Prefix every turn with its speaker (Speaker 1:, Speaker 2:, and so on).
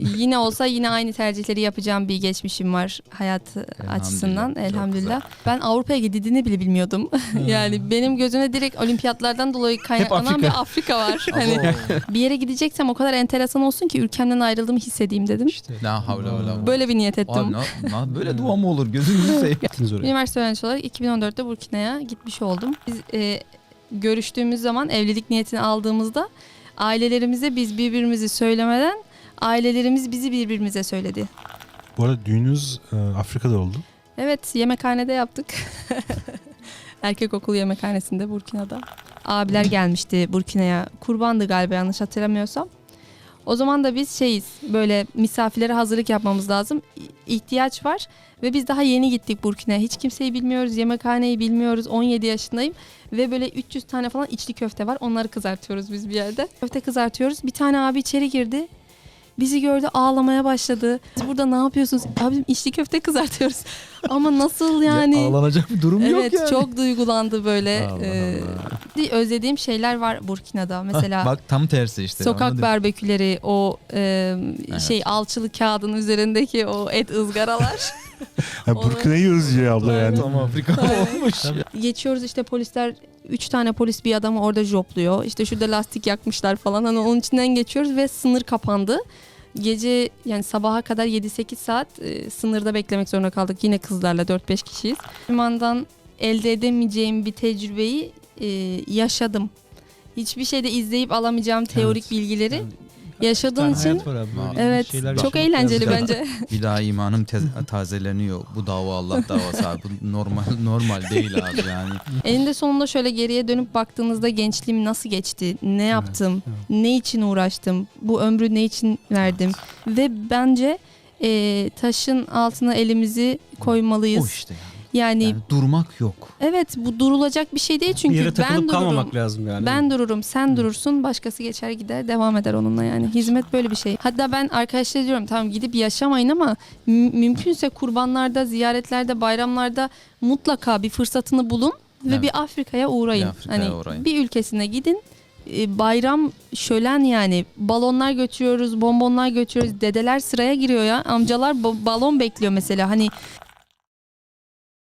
Speaker 1: Yine olsa yine aynı tercihleri yapacağım bir geçmişim var hayat açısından elhamdülillah. Ben Avrupa'ya gidildiğini bile bilmiyordum. Yani benim gözüme direkt olimpiyatlardan dolayı kaynaklanan bir Afrika var. Hani bir yere gideceksem o kadar enteresan olsun ki ülkemden ayrıldığımı hissedeyim dedim.
Speaker 2: La havle ve la.
Speaker 1: Böyle bir niyet ettim.
Speaker 2: Böyle dua mı olur? Gözünüzü seveyim.
Speaker 1: Üniversite öğrencisi olarak 2014'te Burkina'ya gitmiş oldum. Biz görüştüğümüz zaman evlilik niyetini aldığımızda ailelerimize biz birbirimizi söylemeden ailelerimiz bizi birbirimize söyledi.
Speaker 3: Bu arada düğününüz Afrika'da oldu.
Speaker 1: Evet, yemekhanede yaptık. Erkek okulu yemekhanesinde Burkina'da. Abiler gelmişti Burkina'ya. Kurbandı galiba yanlış hatırlamıyorsam. O zaman da biz böyle misafirlere hazırlık yapmamız lazım. İhtiyaç var ve biz daha yeni gittik Burkina'ya. Hiç kimseyi bilmiyoruz, yemekhaneyi bilmiyoruz. 17 yaşındayım ve böyle 300 tane falan içli köfte var. Onları kızartıyoruz biz bir yerde. Köfte kızartıyoruz. Bir tane abi içeri girdi. Bizi gördü, ağlamaya başladı. Siz burada ne yapıyorsunuz? Abim içli köfte kızartıyoruz. Ama nasıl yani?
Speaker 2: Ağlanacak bir durum yok
Speaker 1: Evet,
Speaker 2: yani.
Speaker 1: çok duygulandı böyle.
Speaker 3: Allah
Speaker 1: Özlediğim şeyler var Burkina'da. Mesela
Speaker 2: Bak tam tersi işte.
Speaker 1: sokak
Speaker 2: anladın?
Speaker 1: barbeküleri, o alçılı kağıdın üzerindeki o et ızgaralar.
Speaker 3: Burkina'yı özlüyor abla yani.
Speaker 2: Tam Afrika olmuş.
Speaker 1: Geçiyoruz işte polisler 3 tane polis bir adamı orada jopluyor. İşte şurada lastik yakmışlar falan. Hani onun içinden geçiyoruz ve sınır kapandı. Gece yani sabaha kadar 7-8 saat sınırda beklemek zorunda kaldık. Yine kızlarla 4-5 kişiyiz. Limandan elde edemeyeceğim bir tecrübeyi yaşadım. Hiçbir şeyde izleyip alamayacağım teorik bilgileri yaşadığın için evet çok eğlenceli bence.
Speaker 2: Bir daha imanım tazeleniyor. Bu dava Allah davası abi. Bu normal değil abi yani.
Speaker 1: Eninde sonunda şöyle geriye dönüp baktığınızda gençliğim nasıl geçti? Ne yaptım? Ne için uğraştım? Bu ömrü ne için verdim? Ve bence taşın altına elimizi koymalıyız.
Speaker 2: O işte
Speaker 1: Yani
Speaker 2: durmak yok.
Speaker 1: evet, bu durulacak bir şey değil
Speaker 4: Bir
Speaker 1: çünkü
Speaker 4: yere
Speaker 1: ben
Speaker 4: takılıp
Speaker 1: dururum.
Speaker 4: kalmamak lazım yani.
Speaker 1: Ben dururum, sen durursun, başkası geçer gider, devam eder onunla yani. Hizmet böyle bir şey. Hatta ben arkadaşlara diyorum tamam gidip yaşamayın ama mümkünse kurbanlarda, ziyaretlerde, bayramlarda mutlaka bir fırsatını bulun ve
Speaker 2: Evet.
Speaker 1: bir Afrika'ya uğrayın.
Speaker 2: Bir Afrika'ya
Speaker 1: Hani
Speaker 2: uğrayın.
Speaker 1: bir ülkesine gidin. Bayram şölen yani. Balonlar götürüyoruz, bonbonlar götürüyoruz. Dedeler sıraya giriyor ya. Amcalar balon bekliyor mesela. Hani